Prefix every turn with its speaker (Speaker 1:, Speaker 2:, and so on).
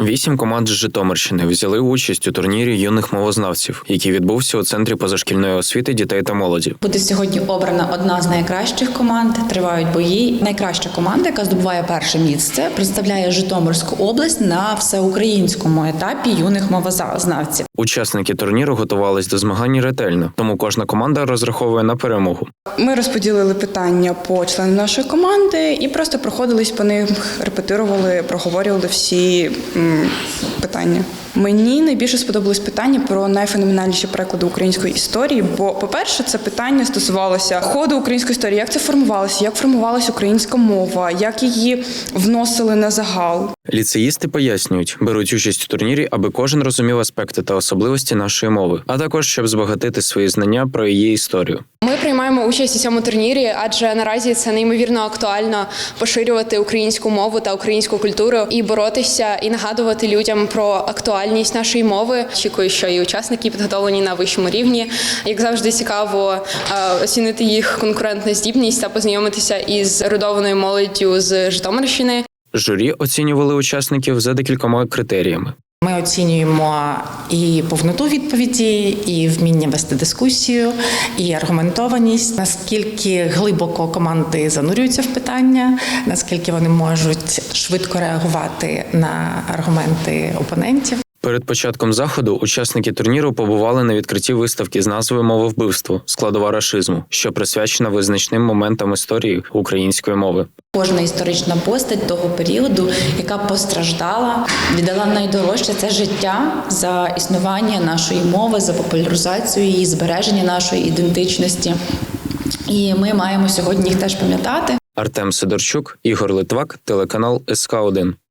Speaker 1: 8 команд з Житомирщини взяли участь у турнірі юних мовознавців, який відбувся у Центрі позашкільної освіти дітей та молоді.
Speaker 2: Буде сьогодні обрана одна з найкращих команд, тривають бої. Найкраща команда, яка здобуває перше місце, представляє Житомирську область на всеукраїнському етапі юних мовознавців.
Speaker 1: Учасники турніру готувались до змагань ретельно, тому кожна команда розраховує на перемогу.
Speaker 3: Ми розподілили питання по членам нашої команди і просто проходились по них, репетирували, проговорювали всі питання. Мені найбільше сподобалось питання про найфеноменальніші переклади української історії, бо, по-перше, це питання стосувалося ходу української історії, як це формувалося, як формувалася українська мова, як її вносили на загал.
Speaker 1: Ліцеїсти пояснюють, беруть участь у турнірі, аби кожен розумів аспекти та особливості нашої мови, а також щоб збагатити свої знання про її історію.
Speaker 4: Ми приймаємо участь у цьому турнірі, адже наразі це неймовірно актуально поширювати українську мову та українську культуру і боротися, і нагадувати людям про актуальність нашої мови. Очікую, що і учасники підготовлені на вищому рівні. Як завжди, цікаво оцінити їх конкурентну здібність та познайомитися із ерудованою молоддю з Житомирщини.
Speaker 1: Журі оцінювали учасників за декількома критеріями.
Speaker 5: Ми оцінюємо і повноту відповіді, і вміння вести дискусію, і аргументованість, наскільки глибоко команди занурюються в питання, наскільки вони можуть швидко реагувати на аргументи опонентів.
Speaker 1: Перед початком заходу учасники турніру побували на відкритті виставки з назвою «Мововбивство. Складова рашизму», що присвячена визначним моментам історії української мови.
Speaker 2: Кожна історична постать того періоду, яка постраждала, віддала найдорожче – це життя за існування нашої мови, за популяризацію її, збереження нашої ідентичності. І ми маємо сьогодні їх теж пам'ятати.
Speaker 1: Артем Сидорчук, Ігор Литвак, телеканал СК1.